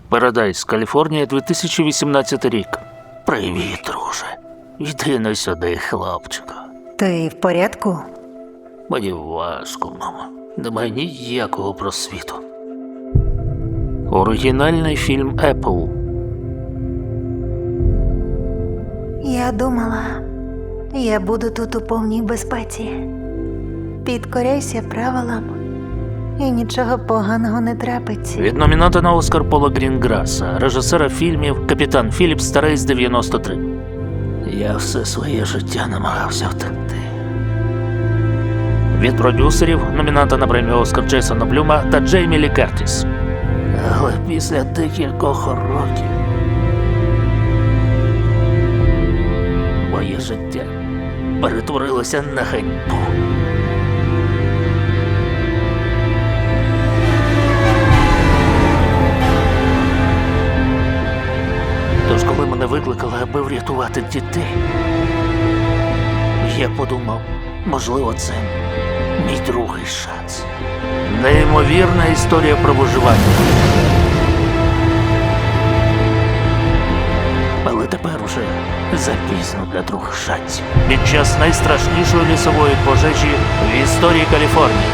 Парадайз, Каліфорнія, 2018 рік. Привіт, друже. Йди на сюди, хлопчику. Ти в порядку? Мені важко, мамо. Немає ніякого просвіту. Оригінальний фільм Apple. Я думала, я буду тут у повній безпеці. Підкоряйся правилам, і нічого поганого не трапиться. Від номіната на Оскар Пола Грінграса, режисера фільмів «Капітан Філіпс» та «Рейс 93». Я все своє життя намагався втекти. Від продюсерів номінанта на премію Оскар Джейсона Блюма та Джеймі Лі Кертіс. Але після декількох років моє життя перетворилося на ганьбу. Тож, коли мене викликали, аби врятувати дітей, я подумав, можливо, це мій другий шанс. Неймовірна історія про виживання. Але тепер уже запізно для других шансів. Під час найстрашнішої лісової пожежі в історії Каліфорнії.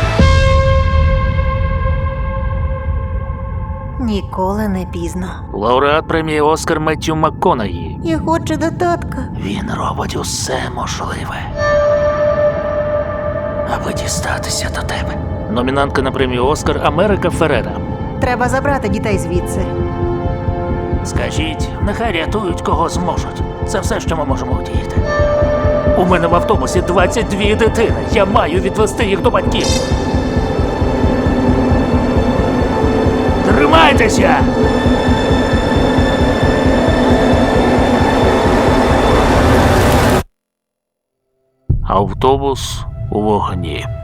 Ніколи не пізно. Лауреат премії Оскар Меттью МакКонахі. Я хочу до татка. Він робить усе можливе, аби дістатися до тебе. Номінантка на премію Оскар Америка Феррера. Треба забрати дітей звідси. Скажіть, нехай рятують кого зможуть. Це все, що ми можемо вдіяти. У мене в автобусі 22 дитини. Я маю відвести їх до батьків. Тримайтеся! Автобус у вогні.